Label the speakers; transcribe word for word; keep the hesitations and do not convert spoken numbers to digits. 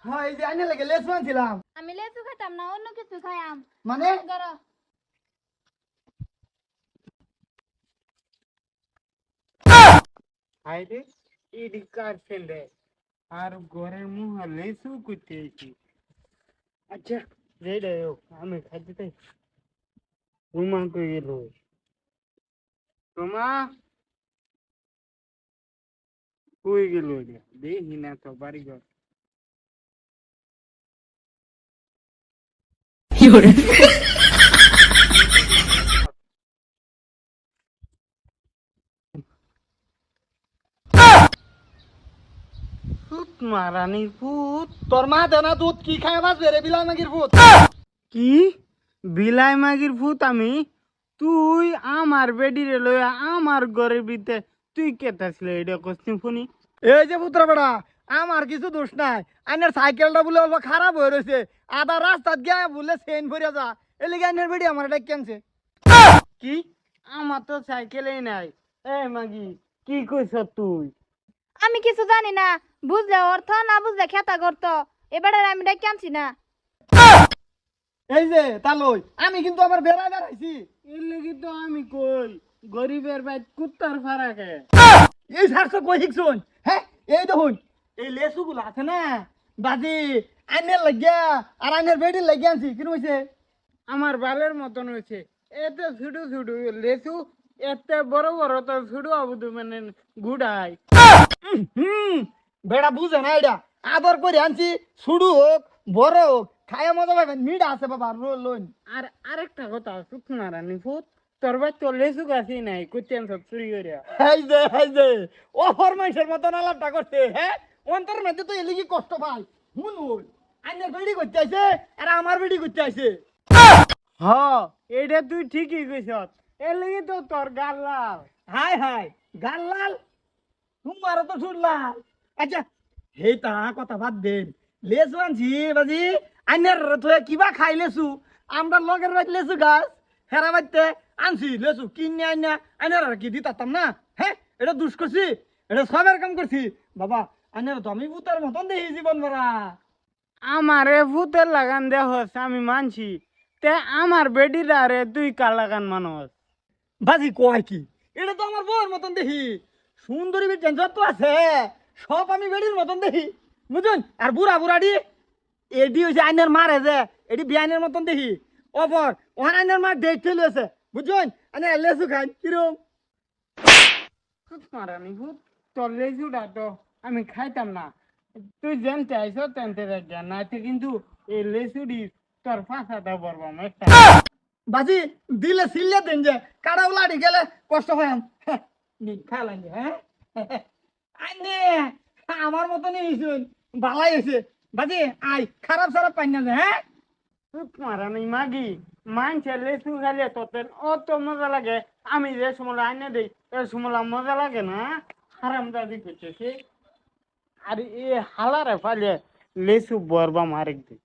Speaker 1: হ্যাঁ এই যে আইনে লাগে লেস বানছিলাম।
Speaker 2: আমি লেচু খাইতাম না, অন্য কিছু খাইয়াম।
Speaker 1: মানে
Speaker 2: ধরো
Speaker 3: আইরে ইডি কার ফেলে আর ঘরের মুহ লেসু করতে আইছি। আচ্ছা রেডি হোক, আমি খাইতে চাই। রুমা কই গেল? রুমা কই গেল? দেখি না তো বাড়ি ঘর। ভূত মারানির ভূত।
Speaker 1: তোর মা দেনা দুধ কি খায় বাঁচবে রে বিলাই মাগির ভূত।
Speaker 3: কি বিলাই মাগির ভূত আমি? তুই আমার বেডিরে লইয়া আমার ঘরের ভিতরে তুই কেতাছিল এটা কস্তিম ফোনি?
Speaker 1: এই যে পুত্র বেড়া আমার কিছু দোষ নাই। আইনের সাইকেলটা বলে অল্প খারাপ হয়ে রয়েছে, আধা রাস্তাত গিয়া বলে চেন ভরিয়া যা এলিগে আইনের বেড়ি আমার এটা কেনছে।
Speaker 3: কি আমার তো সাইকেলেই নাই। এ মাগি কি কইছ তুই?
Speaker 2: আমি কিছু জানি না, বুঝলে অর্থ না বুঝলে খেতা করতো। এবারে আমি ডেকে আনছি না।
Speaker 1: এই যে তালই আমি কিন্তু আমার বেড়া বেড়াইছি।
Speaker 3: এর লাগি তো আমি কই গরিবের বাইত কুত্তার ফারাকে।
Speaker 1: এই সারছো কই শিখছুন? হ্যাঁ এই দেখুন এই লেসুগুলো আছে না বাজি আইনের লাগিয়া আর আইনের বেড়ির লাগিয়া আনছি কি হয়েছে?
Speaker 3: আমার বালের মতন হয়েছে। এত ছুটু ছুটু লেসু, এত বড় বড় তো ছুটু আবুদু মানে গুড়াই।
Speaker 1: হুম বেড়া বুঝে না এটা আদর করে আনছি, শুরু হোক বড় হোক খায়া মজা পাবেন। মিঠা আছে বাবা লোন।
Speaker 3: আর আরেকটা কথা শুকনা রানী ভূত, তোর বাই তো লেসু গাছই নাই, কুত্তেন সব চুরি করিয়া।
Speaker 1: এই যে এই যে ও ফরমাইশের মতন আলাপটা করছে। হ্যাঁ অন্তর মধ্যে তো এলিগি কষ্ট পাই। হুন হুন আইনের বেড়ি করতে আইছে আর আমার বেড়ি করতে আইছে।
Speaker 3: হ এইটা তুই ঠিকই কইছ। এর লাগি তো তোর গাল লাল।
Speaker 1: হাই হাই গাল্লাল তোমার তো শুনলাম। আচ্ছা হেই তা কথা বাদ দেন। লেসু আনছি বাজি আইনের তো কিবা খাই লেসু আমরা লগের বাইত লেসু গাছ হেরা বাইতে আনছি লেসু কিনে আইনা আইনের আর কি দিতাম না। হ্যাঁ এটা দুষ করছি, এটা সবের কাম করছি বাবা। আইনের তো আমি ভূতের মতন দেখি জীবন ভরা।
Speaker 3: আমারে ভূতের লাগান দেহস আমি মানছি, তে আমার বেডিরা রে তুই কার লাগান মানস?
Speaker 1: বাজি কয় কি এটা তো আমার বউয়ের মতন দেখি। সুন্দরী বেটেন যত আছে সব আমি বেডির মতন দেখি বুঝুন। আর বুড়া বুড়াডি এডি হইছে আইনের মারে যে এডি বিয়ানের মতন দেখি। অপর ওখানে আইনের মার ডেট ফেলে আছে বুঝুন। আইনে লেসু খান কিরম।
Speaker 3: মারানি ভূত, তোর লেজুটা তো আমি খাইতাম না। তুই জানতে আইস তেনতে রাখা নাইতে কিন্তু এই লেসুডি তোর ফাঁসাটা বলবাম একটা।
Speaker 1: বাজি দিলে সিলে দেন যে কাড়া উলাড়ি গেলে কষ্ট হয়। খাইলাম হ্যাঁ আইনে আমার মতনই হইছুন ভালাই হয়েছে। বাজি আই খারাপ সারাপ পাই না যে। হ্যাঁ
Speaker 3: মারানি মাগি মানছে লেসু খাইলে তোর অত মজা লাগে, আমি যে সময় আইনে দেই এ সময় মজা লাগে না। হারাম দাদি করছে সে। আর এ হালারে ফালে লেসু বরবাম আরেক দিন।